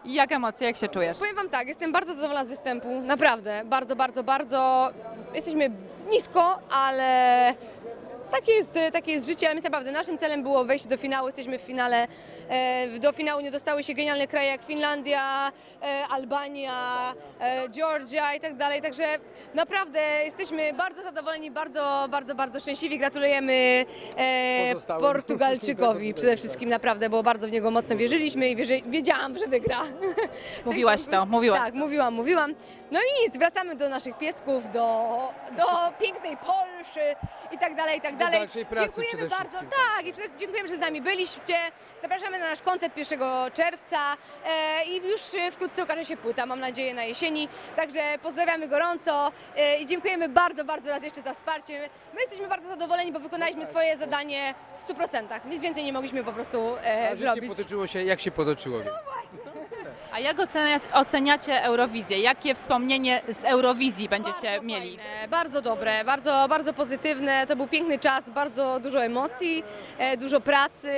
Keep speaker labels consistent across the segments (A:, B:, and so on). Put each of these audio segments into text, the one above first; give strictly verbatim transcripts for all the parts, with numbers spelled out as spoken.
A: Jak emocje, jak się czujesz?
B: Powiem wam tak, jestem bardzo zadowolona z występu, naprawdę, bardzo, bardzo, bardzo. Jesteśmy nisko, ale takie jest, takie jest życie, ale my naprawdę naszym celem było wejść do finału, jesteśmy w finale. E, do finału nie dostały się genialne kraje jak Finlandia, e, Albania, e, Georgia i tak dalej, także naprawdę jesteśmy bardzo zadowoleni, bardzo, bardzo, bardzo szczęśliwi. Gratulujemy e,
C: Pozostałym.
B: Portugalczykowi przede wszystkim, naprawdę, bo bardzo w niego mocno wierzyliśmy i wierzy, wiedziałam, że wygra.
A: Mówiłaś to, mówiłaś.
B: Tak, mówiłam, mówiłam. No i nic, wracamy do naszych piesków, do, do pięknej Polszy i tak dalej, i tak dalej.
C: dalszej pracy
B: Dziękujemy
C: przede
B: bardzo,
C: wszystkim.
B: tak, i przede- dziękujemy, że z nami byliście. Zapraszamy na nasz koncert pierwszego czerwca e, i już e, wkrótce ukaże się płyta, mam nadzieję na jesieni. Także pozdrawiamy gorąco e, i dziękujemy bardzo, bardzo raz jeszcze za wsparcie. My jesteśmy bardzo zadowoleni, bo wykonaliśmy swoje zadanie w stu procentach. Nic więcej nie mogliśmy po prostu e,
C: A życie
B: zrobić.
C: potoczyło się jak się potoczyło, więc.
A: A jak ocenia, oceniacie Eurowizję? Jakie wspomnienie z Eurowizji będziecie
B: Bardzo
A: mieli?
B: fajne, bardzo dobre, bardzo, bardzo pozytywne. To był piękny czas, bardzo dużo emocji, e, dużo pracy,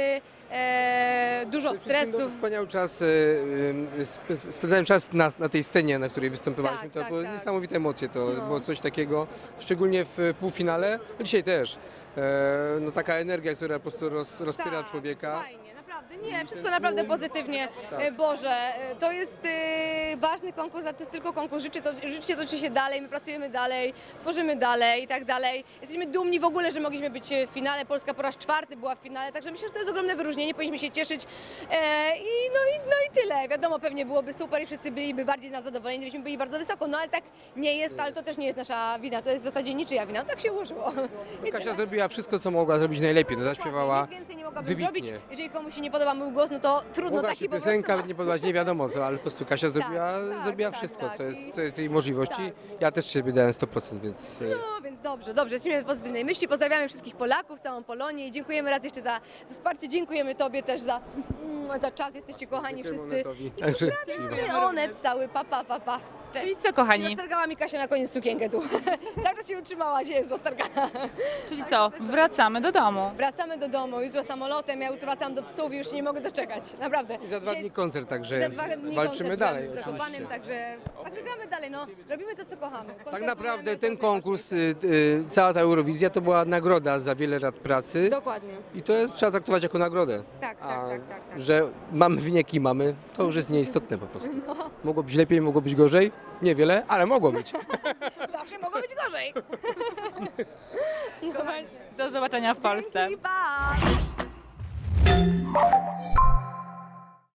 B: e, dużo
C: Przede wszystkim,
B: stresu.
C: no, Wspaniały czas, e, e, sp- spędzałem czas na, na tej scenie, na której występowaliśmy.
B: Tak,
C: to
B: tak,
C: były
B: tak.
C: niesamowite emocje, to
B: No.
C: było coś takiego, szczególnie w półfinale, no dzisiaj też. E, no taka energia, która po prostu roz, rozpiera
B: Tak,
C: człowieka.
B: Fajnie, naprawdę. Nie, wszystko naprawdę pozytywnie.
C: Tak.
B: E, Boże, e, to jest e, ważny konkurs, ale to jest tylko konkurs. Życie, to, życie toczy się dalej, my pracujemy dalej, tworzymy dalej i tak dalej. Jesteśmy dumni w ogóle, że mogliśmy być w finale. Polska po raz czwarty była w finale, także myślę, że to jest ogromne wyróżnienie, powinniśmy się cieszyć. E, i, no, i, no i tyle. Wiadomo, pewnie byłoby super i wszyscy byliby bardziej z nas zadowoleni, gdybyśmy byli bardzo wysoko, no ale tak nie jest, ale to też nie jest nasza wina, to jest w zasadzie niczyja wina, no, tak się ułożyło. I
C: Kasia
B: tyle.
C: zrobiła wszystko, co mogła zrobić najlepiej, no, zaśpiewała
B: Nic więcej nie mogłabym
C: wybitnie.
B: zrobić. Jeżeli komuś się nie podoba mój głos, no to trudno,
C: Mogła
B: taki
C: się
B: po prostu
C: piosenka
B: ma.
C: nie podobać, nie wiadomo co, ale po prostu Kasia zrobiła,
B: tak,
C: zrobiła
B: tak,
C: wszystko,
B: tak.
C: co jest,
B: I-
C: co jest jej możliwości.
B: tak.
C: Ja też siebie dałem sto procent, więc... e,
B: No więc dobrze, dobrze, jesteśmy w pozytywnej myśli, pozdrawiamy wszystkich Polaków, całą Polonię i dziękujemy raz jeszcze za, za wsparcie, dziękujemy Tobie też za, mm, za czas, jesteście kochani
C: Dziękujemy
B: wszyscy.
C: Onetowi. Także
B: I Onet cały, pa, pa, pa, pa. Cześć.
A: Czyli co, kochani?
B: Roztargała mi Kasia na koniec sukienkę tu. Cały czas się utrzymała, gdzie jest roztargana.
A: Czyli co? Wracamy do domu.
B: Wracamy do domu, jutro samolotem, ja jutro wracam do psów i już się nie mogę doczekać, naprawdę.
C: I za dwa
B: Dzisiaj-
C: dni koncert, także
B: Za dwa dni
C: walczymy
B: koncert
C: dalej
B: z
C: oczywiście.
B: Zakopanem, także, także gramy dalej, no. Robimy to, co kochamy.
C: Tak
B: Koncertujemy,
C: naprawdę
B: to
C: ten
B: jest
C: konkurs,
B: najważniejsze.
C: y, y, cała ta Eurowizja to była nagroda za wiele lat pracy
B: Dokładnie.
C: i to jest, trzeba traktować jako nagrodę.
B: Tak, tak,
C: A
B: tak, tak, tak.
C: że mamy wyniki, mamy, to już jest nieistotne po prostu.
B: No.
C: Mogło być lepiej, mogło być gorzej, niewiele, ale mogło być.
B: Zawsze mogło być gorzej. No właśnie.
A: Do zobaczenia w Polsce.
B: Dzięki, pa!